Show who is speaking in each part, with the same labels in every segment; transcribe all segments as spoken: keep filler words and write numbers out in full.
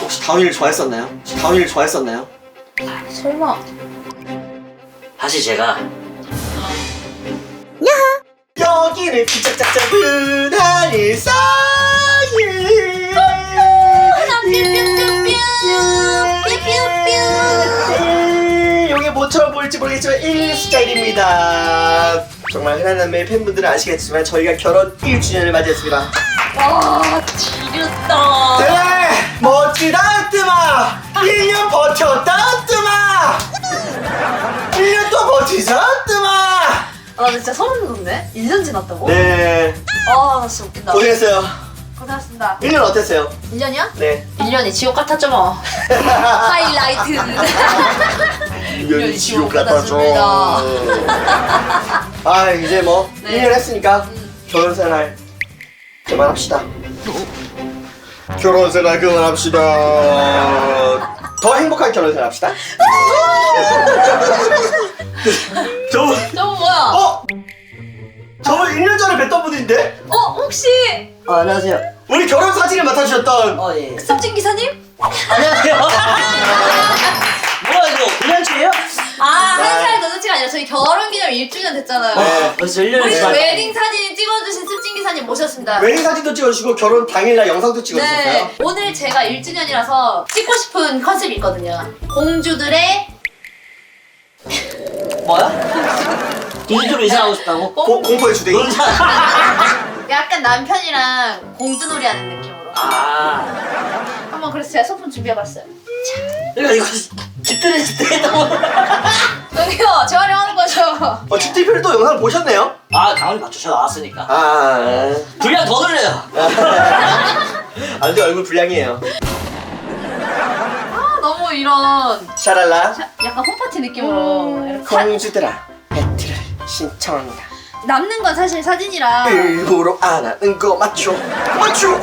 Speaker 1: 혹시 다운이를 좋아했었나요? 혹시 다운이를 좋아했었나요?
Speaker 2: 설마.
Speaker 3: 사실 제가
Speaker 1: 여기를 삐짝짝 잡은 하늘 사이 용의 모처럼 보일지 모르겠지만 일 스타일입니다. 정말 흔한 남매의 팬분들은 아시겠지만 저희가 결혼 일 주년을 맞이했습니다.
Speaker 2: 와, 지렸다.
Speaker 1: 네! 멋지다 뜨마! 일 년 버텼다 뜨마! 일 년 또 버티자 뜨마!
Speaker 2: 아, 나 진짜 소름 돋네. 일 년 지났다고?
Speaker 1: 네,
Speaker 2: 아, 나 진짜 웃긴다.
Speaker 1: 고생했어요.
Speaker 2: 고생하셨습니다.
Speaker 1: 일 년 어땠어요?
Speaker 2: 일 년이야?
Speaker 1: 네.
Speaker 2: 일 년이 지옥 같았죠 뭐. 하이라이트.
Speaker 1: 일 년이
Speaker 2: 지옥 같았습니다.
Speaker 1: 아, 이제 뭐
Speaker 2: 네.
Speaker 1: 일 년 했으니까
Speaker 2: 음.
Speaker 1: 결혼생활 그만합시다. 결혼생활 그만합시다. 더 행복한 결혼생활 합시다. 저분
Speaker 2: 저분 뭐야?
Speaker 1: 어? 저분 일 년 전에 뵀던 분인데?
Speaker 2: 어, 혹시
Speaker 3: 어, 안녕하세요.
Speaker 1: 우리 결혼 사진을 맡아주셨던
Speaker 3: 어, 예.
Speaker 2: 섭진 기사님?
Speaker 3: 안녕하세요. 뭐야 이거 불량치예요?
Speaker 2: 아, 한 살 더 늦지가 아니라 저희 결혼기념 일 주년 됐잖아요.
Speaker 1: 네.
Speaker 3: 벌써 일 년이
Speaker 2: 우리
Speaker 3: 지났
Speaker 2: 웨딩 사진 찍어주신 습진 기사님 모셨습니다.
Speaker 1: 웨딩 사진도 찍어주시고 결혼 당일날 영상도 찍어주셨어요.
Speaker 2: 네, 오늘 제가 일 주년이라서 찍고 싶은 컨셉이 있거든요. 공주들의
Speaker 3: 뭐야? 공주로 이사하고 싶다고?
Speaker 1: 고, 공포의 주댕이.
Speaker 3: 놀자.
Speaker 2: 약간 남편이랑 공주놀이 하는 느낌으로.
Speaker 3: 아,
Speaker 2: 한번 그래서 제가 소품 준비해봤어요.
Speaker 3: 이거 이거 집들이 집들이 너무.
Speaker 2: 여기요, 재활용하는 거죠.
Speaker 1: 어, 집들이표를 또 영상을 보셨네요?
Speaker 3: 아, 당연히 맞춰서 나왔으니까.
Speaker 1: 아,
Speaker 3: 분량 더 늘려요.
Speaker 1: 아, 근데 얼굴 불량이에요.
Speaker 2: 아, 너무 이런
Speaker 1: 샤랄라.
Speaker 2: 자, 약간 홈파티 느낌으로 이렇게 사-
Speaker 1: 공주들아, 배틀을 신청한다.
Speaker 2: 남는 건 사실 사진이라.
Speaker 1: 일부러 안 하는 거 맞죠? 맞죠?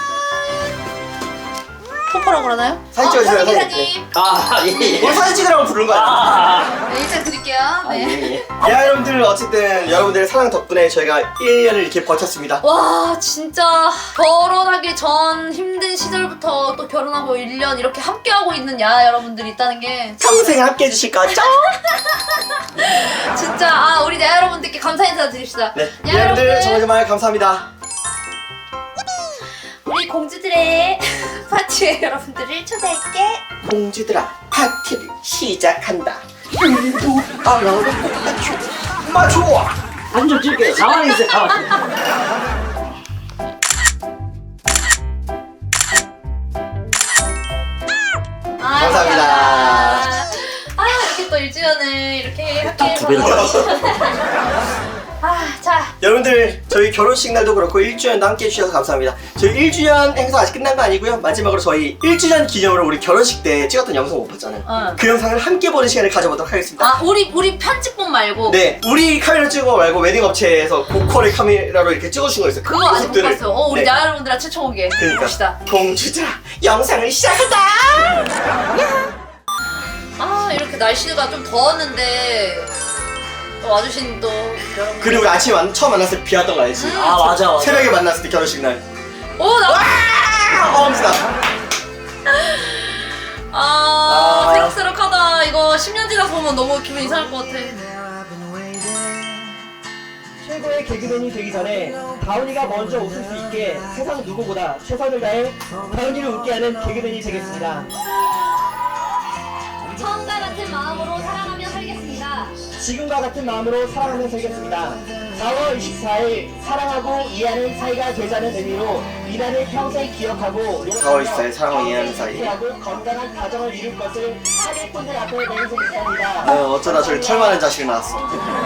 Speaker 2: 포포라고 그러나요?
Speaker 1: 사진 찍어주세요,
Speaker 2: 어,
Speaker 1: 사진.
Speaker 2: 기사님.
Speaker 3: 아, 예, 예.
Speaker 1: 오늘 사진 찍으라고 부른 거 아니야?
Speaker 3: 아,
Speaker 2: 네, 인사 드릴게요.
Speaker 3: 아,
Speaker 2: 네.
Speaker 3: 예, 예.
Speaker 1: 야, 여러분들 어쨌든 여러분들의 사랑 덕분에 저희가 일 년을 이렇게 버텼습니다.
Speaker 2: 와, 진짜 결혼하기 전 힘든 시절부터 또 결혼하고 일 년 이렇게 함께하고 있는 야 여러분들이 있다는 게
Speaker 1: 평생 함께 해주실 거죠?
Speaker 2: 진짜 아 우리 야 여러분들께 감사 인사 드립시다.
Speaker 1: 네,
Speaker 2: 야
Speaker 1: 여러분들 정말 정말 감사합니다.
Speaker 2: 우리 공주들의 파티에 여러분들을 초대할게.
Speaker 1: 공주들아, 파티를 시작한다. 일부 안 하는 거 맞죠? 맞죠?
Speaker 3: 한점 찍을게요. 가만히 있어요, 가만히.
Speaker 2: 아,
Speaker 1: 감사합니다.
Speaker 2: 아 이렇게 또 일 주년을 이렇게 함께
Speaker 3: 두 배로
Speaker 2: 해서 아자
Speaker 1: 여러분들 저희 결혼식 날도 그렇고 일 주년도 함께 해주셔서 감사합니다. 저희 일 주년 행사 아직 끝난 거 아니고요. 마지막으로 저희 일 주년 기념으로 우리 결혼식 때 찍었던 영상 못 봤잖아요.
Speaker 2: 어.
Speaker 1: 그 영상을 함께 보는 시간을 가져보도록 하겠습니다.
Speaker 2: 아 우리 우리 편집본 말고
Speaker 1: 네, 우리 카메라 찍은 거 말고 웨딩 업체에서 고퀄의 카메라로 이렇게 찍어준 거 있어요.
Speaker 2: 그거 아직 못
Speaker 1: 모습들을.
Speaker 2: 봤어요. 어 우리
Speaker 1: 네.
Speaker 2: 야 여러분들랑 최초 공개
Speaker 1: 그러니까
Speaker 2: 봅시다.
Speaker 1: 공주들아, 영상을 시작한다.
Speaker 2: 아 이렇게 날씨가 좀 더웠는데 또 와주신 또 여러분.
Speaker 1: 그리고 우리 아침에 만, 처음 만났을 때 비 왔던 거 알지?
Speaker 2: 음.
Speaker 3: 아, 맞아, 맞아.
Speaker 1: 새벽에 만났을 때 결혼식 날.
Speaker 2: 오나
Speaker 1: 아, 엄지다.
Speaker 2: 아,
Speaker 1: 아.
Speaker 2: 새록새록하다. 이거 십 년 지나서 보면 너무 기분 이상할 것 같아.
Speaker 1: 최고의 개그맨이 되기 전에 다운이가 먼저 웃을 수 있게 세상 누구보다 최선을 다해 다운이를 웃게 하는 개그맨이 되겠습니다.
Speaker 2: 처음과 같은 마음으로 사랑하며 살겠습니다.
Speaker 1: 지금과 같은 마음으로 사랑하며 살겠습니다. 사월 이십사일 사랑하고 이해하는 사이가 되자는 의미로 이날을 평생 기억하고 사월 이십사일 사랑하고 이해하는 사이 하고 건강한 가정을 이룰 것을 사기꾼들 앞에 맹세했습니다. 어, 어쩌다 저기 털 많은 자식이 나왔어.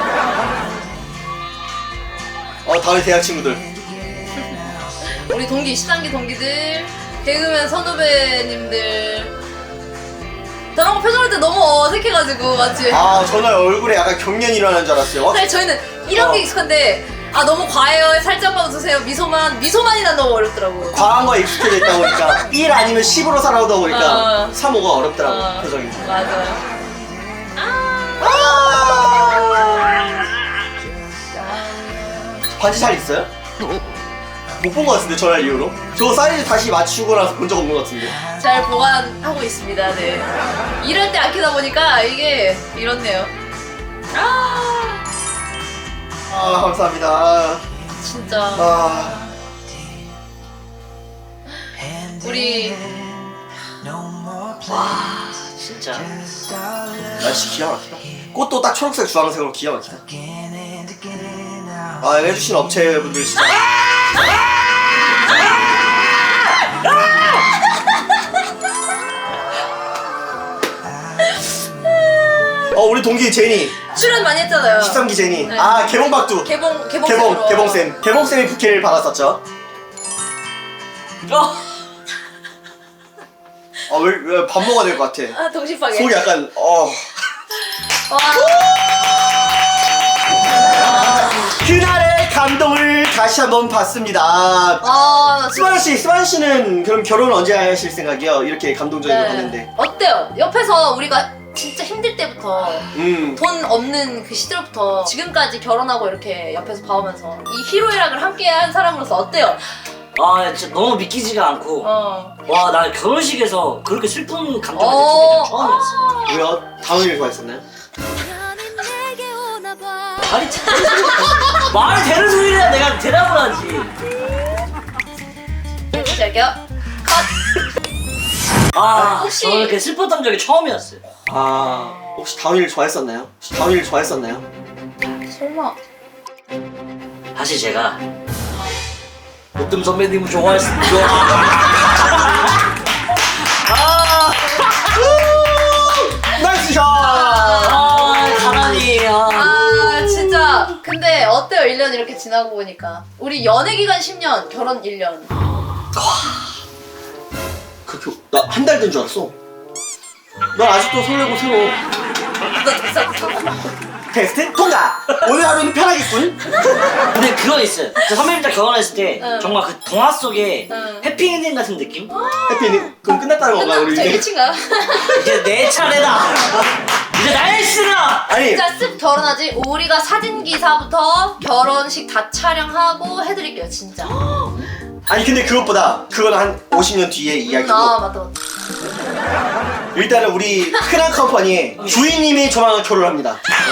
Speaker 1: 어, 다음에 대학 친구들.
Speaker 2: 우리 동기 십삼 기 동기들, 개그맨 선후배님들. 저런 거 표정할 때 너무 어색해가지고 맞지?
Speaker 1: 아, 저는 얼굴에 약간 경련이 일어나는 줄 알았어요.
Speaker 2: 사실 저희는 이런 게
Speaker 1: 어.
Speaker 2: 익숙한데 아 너무 과해요. 살짝만 웃으세요. 미소만 미소만이 난 너무 어렵더라고.
Speaker 1: 과한 거에 익숙해져 있다 보니까 일 아니면 십으로 살아오다 보니까
Speaker 2: 어.
Speaker 1: 삼, 오가 어렵더라고,
Speaker 2: 어,
Speaker 1: 표정이.
Speaker 2: 맞아요.
Speaker 1: 아~ 반지 잘 있어요?
Speaker 4: 못 본 것 같은데 전화 이후로. 저 사이즈 다시 맞추고 나서 본 적 없는 것 같은데.
Speaker 2: 잘 보관하고 있습니다. 네. 이럴 때 아끼다 보니까 이게 이렇네요. 아
Speaker 4: 아 감사합니다.
Speaker 2: 진짜
Speaker 4: 아
Speaker 2: 우리
Speaker 3: 와 진짜.
Speaker 4: 날씨 기가 막히다. 꽃도 딱 초록색 주황색으로 기가 막히다. 아 해주신 업체분들 진짜. 어 우리 동기 제니
Speaker 2: 출연 많이 했잖아요.
Speaker 4: 십삼 기 제니.
Speaker 2: 네.
Speaker 4: 아 개봉박두.
Speaker 2: 개봉 개봉
Speaker 4: 개봉 개봉쌤 개봉쌤이 부케를 받았었죠.
Speaker 2: 어.
Speaker 4: 아왜 밥 먹어야 될 것 같아.
Speaker 2: 아 동심파게.
Speaker 4: 속이 약간 어.
Speaker 2: 와.
Speaker 4: 그날의 감동을 다시 한번 봤습니다.
Speaker 2: 아 나 진짜.
Speaker 4: 스만 씨, 스만 씨는 그럼 결혼 언제 하실 생각이요? 이렇게 감동적인 걸 봤는데.
Speaker 2: 네. 어때요? 옆에서 우리가 진짜 힘들 때부터
Speaker 4: 음.
Speaker 2: 돈 없는 그 시절부터 지금까지 결혼하고 이렇게 옆에서 봐오면서 이 희로애락을 함께한 사람으로서 어때요?
Speaker 3: 아 진짜 너무 믿기지가 않고.
Speaker 2: 어.
Speaker 3: 와 나 결혼식에서 그렇게 슬픈 감정을
Speaker 2: 어.
Speaker 3: 느낀 게 처음이었어.
Speaker 4: 왜요? 다운을 좋아했었나요?
Speaker 3: 말이 참 말이 되는 소리를 내가 대답을 하지.
Speaker 2: 다시 할게요. 컷.
Speaker 3: 아
Speaker 2: 혹시-
Speaker 3: 저는 이렇게 슬펐던 적이 처음이었어요.
Speaker 4: 아 혹시 다운이를 좋아했었나요? 혹시 다운이를 좋아했었나요?
Speaker 2: 설마.
Speaker 3: 사실 제가 보뜸 선배님을 좋아했습니다. 아,
Speaker 4: 나이스 샷!
Speaker 3: 아 가만히. 아.
Speaker 2: 아 진짜. 근데 어때요? 일 년 이렇게 지나고 보니까 우리 연애 기간 십 년, 결혼 일 년.
Speaker 4: 그렇게 나 한 달 된 줄 알았어. 난 아직도 설레고 새로.
Speaker 2: 너 됐어.
Speaker 4: 테스트 통과! 오늘 하루는 편하겠군?
Speaker 3: 근데 그건 있어요. 저 선배님들 결혼했을 때
Speaker 2: 응.
Speaker 3: 정말 그 동화 속에
Speaker 2: 응.
Speaker 3: 해피엔딩 같은 느낌?
Speaker 4: 해피엔딩? 그럼 끝났다는 건가요 우리
Speaker 2: 끝나. 저
Speaker 4: 이제?
Speaker 2: 일친가요?
Speaker 3: 이제 내 차례다. 이제 나의 시라.
Speaker 4: 아니
Speaker 2: 진짜 쓱 결혼하지. 우리가 사진 기사부터 결혼식 다 촬영하고 해드릴게요 진짜.
Speaker 4: 아니 근데 그것보다 그건 한 오십 년 뒤의 이야기고
Speaker 2: 아 맞다 맞다.
Speaker 4: 일단은 우리 흔한 컴퍼니의 주인님이 조만간 결혼합니다.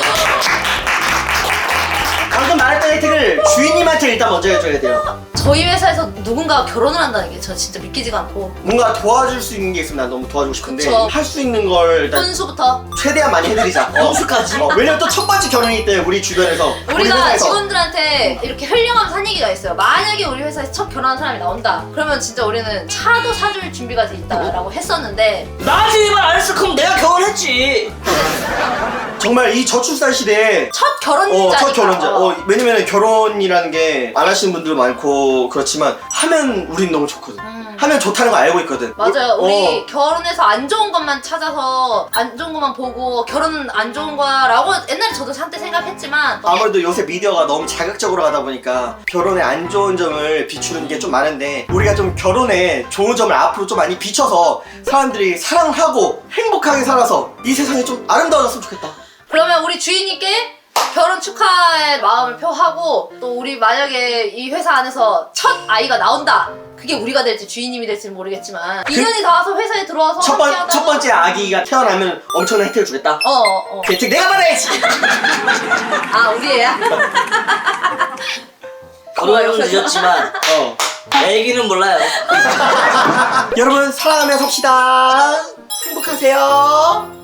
Speaker 4: 방금 말했던 혜택을 주인님한테 일단 먼저 해줘야 돼요.
Speaker 2: 저희 회사에서 누군가가 결혼을 한다는 게 저 진짜 믿기지가 않고.
Speaker 4: 뭔가 도와줄 수 있는 게 있으면 난 너무 도와주고 싶은데
Speaker 2: 그쵸.
Speaker 4: 할 수 있는 걸 일단
Speaker 2: 혼수부터
Speaker 4: 최대한 많이 해드리자. 어.
Speaker 3: 혼수까지?
Speaker 4: 어, 왜냐면 또 첫 번째 결혼이기 때문에 우리 주변에서 우리
Speaker 2: 우리가
Speaker 4: 회사에서
Speaker 2: 직원들한테 이렇게 흘려가면서 한 얘기가 있어요. 만약에 우리 회사에서 첫 결혼한 사람이 나온다. 그러면 진짜 우리는 차도 사줄 준비가 돼 있다라고 했었는데
Speaker 3: 나한테 이말 안 했어. 그럼 내가 결혼했지.
Speaker 4: 정말 이 저출산 시대에
Speaker 2: 첫 결혼자니까.
Speaker 4: 어, 첫 결혼자.
Speaker 2: 어.
Speaker 4: 어, 왜냐면 결혼이라는 게 안 하시는 분들 많고 그렇지만 하면 우린 너무 좋거든.
Speaker 2: 음.
Speaker 4: 하면 좋다는 거 알고 있거든.
Speaker 2: 맞아요.
Speaker 4: 어,
Speaker 2: 우리 결혼해서 안 좋은 것만 찾아서 안 좋은 것만 보고 결혼은 안 좋은 거야라고 옛날에 저도 한때 생각했지만
Speaker 4: 아무래도 요새 미디어가 너무 자극적으로 가다 보니까 결혼에 안 좋은 점을 비추는 게 좀 많은데 우리가 좀 결혼에 좋은 점을 앞으로 좀 많이 비춰서 사람들이 사랑하고 행복하게 살아서 이 세상이 좀 아름다워졌으면 좋겠다.
Speaker 2: 그러면 우리 주인님께 결혼 축하의 마음을 표하고 또 우리 만약에 이 회사 안에서 첫 아이가 나온다. 그게 우리가 될지 주인님이 될지는 모르겠지만 인연이 닿아서 회사에 들어와서
Speaker 4: 첫, 번,
Speaker 2: 함께하다가-
Speaker 4: 첫 번째 아기가 태어나면 엄청난 혜택을 주겠다.
Speaker 2: 어 어.
Speaker 4: 그 혜택 내가 받아야지.
Speaker 2: 아 우리 애야?
Speaker 3: 결혼은 늦었지만
Speaker 4: 어.
Speaker 3: 애기는 몰라요.
Speaker 4: 여러분 사랑하며 삽시다. 행복하세요.